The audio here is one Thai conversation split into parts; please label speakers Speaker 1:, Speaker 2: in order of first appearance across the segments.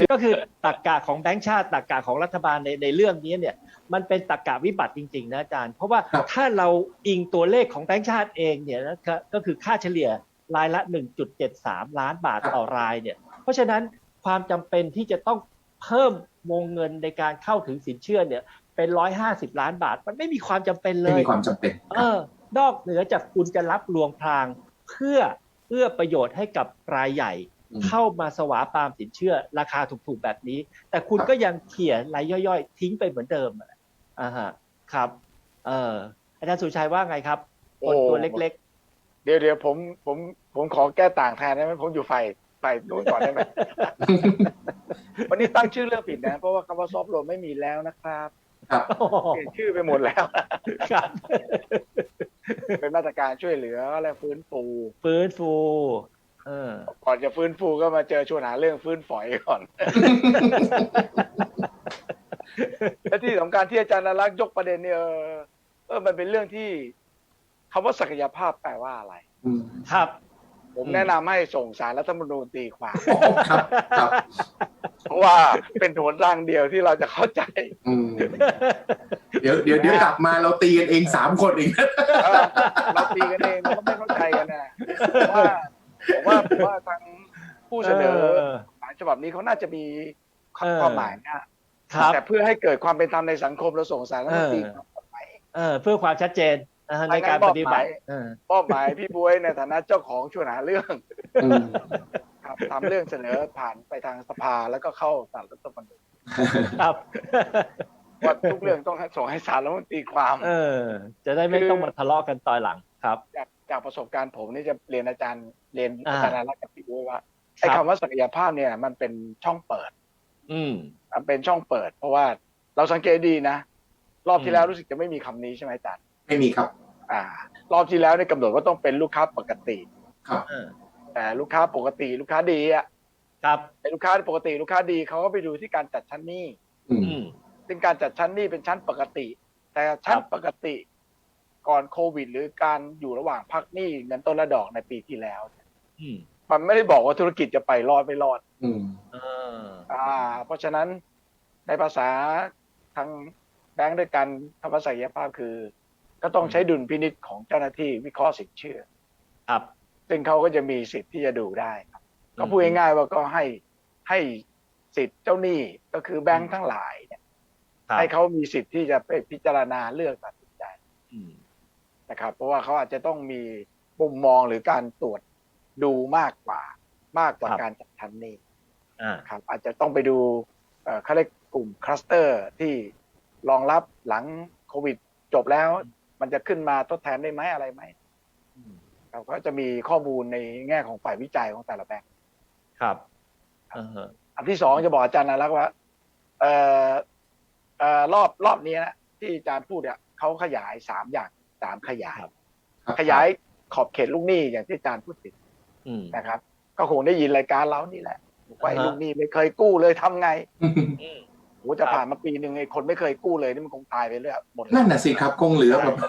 Speaker 1: ก็คือตรรกะของแบงก์ชาติตรรกะของรัฐบาลในเรื่องนี้เนี่ยมันเป็นตรรกะวิบัติจริงๆนะอาจารย์เพราะว่าถ้าเราอิงตัวเลขของแบงก์ชาติเองเนี่ยก็คือค่าเฉลี่ยรายละ 1.73 ล้านบาทต่อรายเนี่ยเพราะฉะนั้นความจำเป็นที่จะต้องเพิ่มวงเงินในการเข้าถึงสินเชื่อเนี่ยเป็น150 ล้านบาทมันไม่มีความจำเป็นเลย
Speaker 2: ไม่มีความจำเป็น
Speaker 1: นอกเหนือจากคุณจะรับลวงพรางเพื่อประโยชน์ให้กับรายใหญ่เข้ามาสวาปามสินเชื่อราคาถูกๆแบบนี้แต่คุณก็ยังเขี่ยรายย่อยๆทิ้งไปเหมือนเดิมครับอาจารย์สุชัยว่าไงครับคนตัวเล็ก
Speaker 3: ๆเดี๋ยวผมขอแก้ต่างแทนได้ไหมผมอยู่ฝ่ายนู้นก่อนได้ไหม วันนี้ตั้งชื่อเรื่องผิดนะเพราะว่าคำว่าซอฟต์โลนไม่มีแล้วนะครับเปลี่ยนชื่อไปหมดแล้ว
Speaker 1: ครับ
Speaker 3: เป็นมาตรการช่วยเหลือและฟื้นฟูก่อนจะฟื้นฟูก็มาเจอชวนหาเรื่องฟื้นฝอยก่อน และที่สำคัญที่อาจารย์นรักษ์ยกประเด็นเนี่ยมันเป็นเรื่องที่คำว่าศักยภาพแปลว่าอะไร
Speaker 1: ครับ
Speaker 3: ผมแนะนำให้ส่งศาลรัฐธรรมนูญตีความ
Speaker 2: ครับ
Speaker 3: เพราะว่าเป็นโหนทางเดียวที่เราจะเข้าใจ
Speaker 2: เดี๋ยวกลับมาเราตีกันเอง3 คนเอง
Speaker 3: เราตีกันเองเราก็ไม่เข้าใจกันนะผมว่าทางผู้เสนอฉบับนี้เขาน่าจะมีความหมายนะแต่เพื่อให้เกิดความเป็นธรรมในสังคมเราส่งสารรัฐธรรมนูญ
Speaker 1: เพื่อความชัดเจนในการปฏิบัติ
Speaker 3: มอบหมายพี่บ๊วยในฐานะเจ้าของชวนหาเรื่องครับทำเรื่องเสนอผ่านไปทางสภาแล้วก็เข้าศาลรัฐธรรมนูญ
Speaker 1: ครับ
Speaker 3: ว่าทุกเรื่องต้องส่งให้ศาลรัฐมนตรีความ
Speaker 1: จะได้ไม่ต้องมาทะเลาะกันตอนหลังครับ
Speaker 3: จากประสบการณ์ผมนี่จะเรียนอาจารย์รักกับพี่บ๊วยว่าไอ้คำว่าศักยภาพเนี่ยมันเป็นช่องเปิดมันเป็นช่องเปิดเพราะว่าเราสังเกตดีนะรอบที่แล้วรู้สึกจะไม่มีคำนี้ใช่ไหมอาจารย์
Speaker 2: ไม่มีครับ
Speaker 3: รอบที่แล้วเนี่ยกำหนดว่าต้องเป็นลูกค้าปกติ
Speaker 2: ครับ
Speaker 3: แต่ลูกค้าปกติลูกค้าดี
Speaker 1: ครับ
Speaker 3: แต่ลูกค้าปกติลูกค้าดีเขาก็ไปดูที่การจัดชั้นหนี้ซึ่งการจัดชั้นหนี้เป็นชั้นปกติแต่ชั้นปกติก่อนโควิดหรือการอยู่ระหว่างพักหนี้เงินต้นและดอกในปีที่แล้วมันไม่ได้บอกว่าธุรกิจจะไปรอดไม่รอดเพราะฉะนั้นในภาษาทางแบงก์ด้วยกันคำว่าศักยภาพคือก็ต้องใช้ดุลพินิจของเจ้าหน้าที่วิเคราะห์สินเชื่อ
Speaker 1: ครับ
Speaker 3: ซึ่งเขาก็จะมีสิทธิ์ที่จะดูได้ครับก็พูดง่ายๆว่าก็ให้สิทธิ์เจ้าหนี้ก็คือแบงก์ทั้งหลายเนี่ยให้เขามีสิทธิ์ที่จะไปพิจารณาเลือกตัดสินใจนะครับเพราะว่าเขาอาจจะต้องมีมุมมองหรือการตรวจดูมากกว่าการจัดชั้นหนี้ครับอาจจะต้องไปดูเขาเรียกกลุ่มคลัสเตอร์ที่รองรับหลังโควิดจบแล้วมันจะขึ้นมาทดแทนได้ไหมอะไรไหมเราก็จะมีข้อมูลในแง่ของฝ่ายวิจัยของแต่ละแบงค์
Speaker 1: ครับ
Speaker 3: อันที่สองจะบอกอาจารย์นรักษ์ว่ารอบนี้นะที่อาจารย์พูดเนี่ยเขาขยาย3 ขยายขอบเขตลูกหนี้อย่างที่อาจารย์พูดถึงนะครับก็คงได้ยินรายการเรานี่แหละว่าลูกหนี้ไม่เคยกู้เลยทำไงโอ้จะผ่านมาปีหนึ่งไอ้คนไม่เคยกู้เลยนี่มันคงตายไปเรื่อยหมด
Speaker 2: นั่นน่ะสิครับคงเหลือแบบ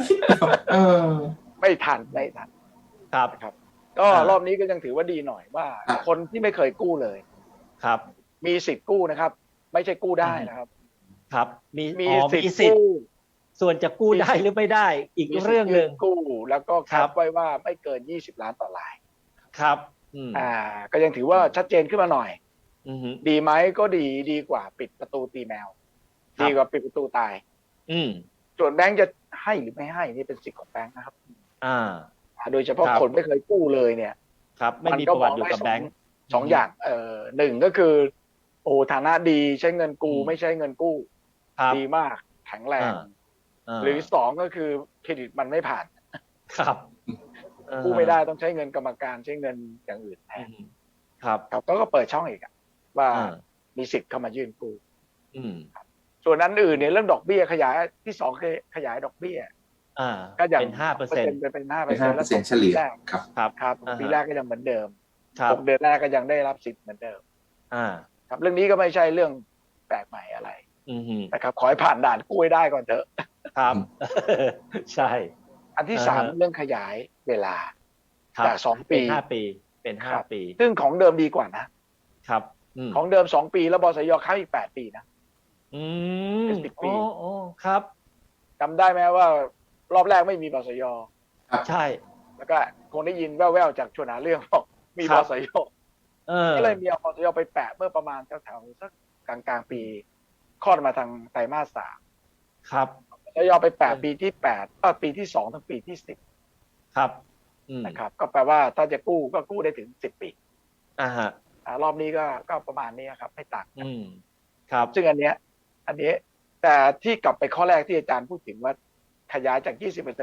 Speaker 3: ไม่ทัน
Speaker 1: ครับ
Speaker 3: ก็รอบนี้ก็ยังถือว่าดีหน่อยว่าคนที่ไม่เคยกู้เลย
Speaker 1: ครับ
Speaker 3: มีสิทธิ์กู้นะครับไม่ใช่กู้ได้นะครับ
Speaker 1: ครับมีสิทธิ์ส่วนจะกู้ได้หรือไม่ได้อีกเรื่องนึง
Speaker 3: กู้แล้วก็แคปไว้ว่าไม่เกิน20 ล้านต่อราย
Speaker 1: ครับ
Speaker 3: ก็ยังถือว่าชัดเจนขึ้นมาหน่อยดีไหมก็ดีกว่าปิดประตูตีแมวดีกว่าปิดประตูตายส่วนแบงค์จะให้หรือไม่ให้นี่เป็นสิทธิ์ของแบงค์นะครับโดยเฉพาะคนไม่เคยกู้เลยเนี่ย
Speaker 1: ครับไม่มีประวัติอยู่กับแบงค์
Speaker 3: 2 อย่าง1ก็คือโอ้ฐานะดีใช้เงินกู้ไม่ใช้เงินกู้ดีมากแข็งแรงหรือ2ก็คือเครดิตมันไม่ผ่าน
Speaker 1: ครับ
Speaker 3: กู้ไม่ได้ต้องใช้เงินกรรมการใช้เงินอย่างอื่นแทน
Speaker 1: ครับ
Speaker 3: ก็เปิดช่องอีกว่ามีสิทธิ์เข้ามายื่นกู้ส่วนนั้นอื่นเนี่ยเรื่องดอกเบี้ยขยายที่2คือขยายดอกเบี้ย
Speaker 1: ก็อย่างเป็น 5%
Speaker 3: เป็น 5%
Speaker 2: แล้วเฉลี่ย
Speaker 3: ครับปีแรกก็ยังเหมือนเดิม6 เดือนแรกก็ยังได้รับสิทธิ์เหมือนเดิมครับเรื่องนี้ก็ไม่ใช่เรื่องแปลกใหม่อะไรนะครับขอให้ผ่านด่านกู้ได้ก่อนเถอะ
Speaker 1: ครับใช่
Speaker 3: อันที่3เรื่องขยายเวลาจาก2 ปี
Speaker 1: เป็น5 ปี
Speaker 3: ซึ่งของเดิมดีกว่านะครับของเดิม2 ปีแล้วบสยค้ำอีก8 ปีนะ เป็น10 ปี
Speaker 1: โอ้ครับ
Speaker 3: จำได้ไหมว่ารอบแรกไม่มีบสย
Speaker 1: ใช่
Speaker 3: แล้วก็คงได้ยินแว่วๆจากชวนหาเรื่องบอกมี
Speaker 1: ครับ บ
Speaker 3: สย
Speaker 1: เออ
Speaker 3: ก็เลยมีเอาบสยไปแปะเมื่อประมาณแถวๆสักกลางปีคลอดมาทางไตรมาส 3
Speaker 1: ครับ
Speaker 3: บสยไปแปะปีที่8ปีที่2ถึงปีที่10
Speaker 1: ครับ
Speaker 3: นะครับก็แปลว่าถ้าจะกู้ก็กู้ได้ถึง10 ปี
Speaker 1: ฮะ
Speaker 3: รอบนี้ก็ประมาณนี้ครับไม่ต่างกัน
Speaker 1: ครับ
Speaker 3: ซึ่งอันเนี้ยแต่ที่กลับไปข้อแรกที่อาจารย์พูดถึงว่าขยายจาก 20% เป็น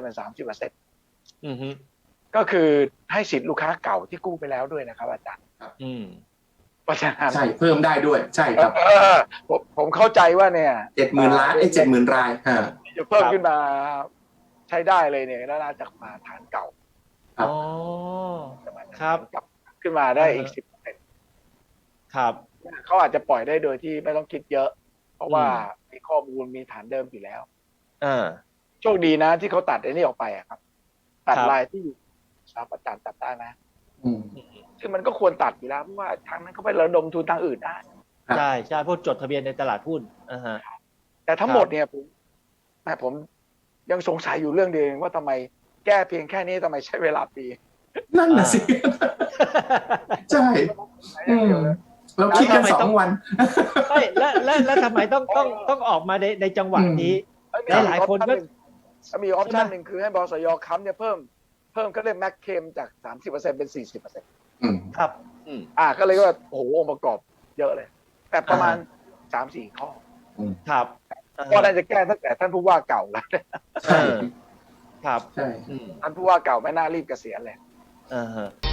Speaker 3: 30%ก็คือให้สิทธิ์ลูกค้าเก่าที่กู้ไปแล้วด้วยนะครับอาจารย์เพราะฉะนั้น
Speaker 2: ใช่เพิ่มได้ด้วยใช่ครับ
Speaker 3: ผมเข้าใจว่าเนี่ย
Speaker 2: 70,000 ล้าน70,000 ราย
Speaker 3: จะเพิ่มขึ้นมาใช้ได้เลยเนี่ยแล้วน่าจะมาฐานเก่า
Speaker 1: อ๋อครับ
Speaker 3: กลับขึ้นมาได้อีก 10%
Speaker 1: ครับ
Speaker 3: เขาอาจจะปล่อยได้โดยที่ไม่ต้องคิดเยอะ เพราะว่ามีข้อมูลมีฐานเดิมอยู่แล้วโชคดีนะที่เขาตัดไอ้นี่ออกไปอะครับ ตัดลายที่อยู่สถาปัตย์ตัดได้ไหมซึ่งมันก็ควรตัดอยู่แล้วเพราะว่าทางนั้นเขาไประดมทุนทางอื่นได้
Speaker 1: ใช่ใช่พวกจดทะเบียนในตลาดหุ้น
Speaker 3: แต่ทั้งหมดเนี่ยผมยังสงสัยอยู่เรื่องเดียวว่าทำไมแก้เพียงแค่นี้ทำไมใช้เวลาปี
Speaker 2: นั่นน่ะสิใช่เราคิดกัน2 วัน
Speaker 1: ไม่แล้วทำไมต้องออกมาในจังหวะนี้หลายคนก็
Speaker 3: มีออปชั่นหนึ่งคือให้บสยค้ำเนี่ยเพิ่มก็เลยแม็กเคมจาก 30% เป็น 40%
Speaker 1: ครับ
Speaker 3: ก็เลยว่าโอ้โหองค์ประกอบเยอะเลย แต่ประมาณ 3-4 ข้อ
Speaker 1: ครับ
Speaker 3: ก็น่าจะแก้ตั้งแต่ท่านผู้ว่าเก่าแล้ว
Speaker 2: ใช่
Speaker 1: ครับ
Speaker 3: ท่านผู้ว่าเก่าไม่น่ารีบเกษียณเลย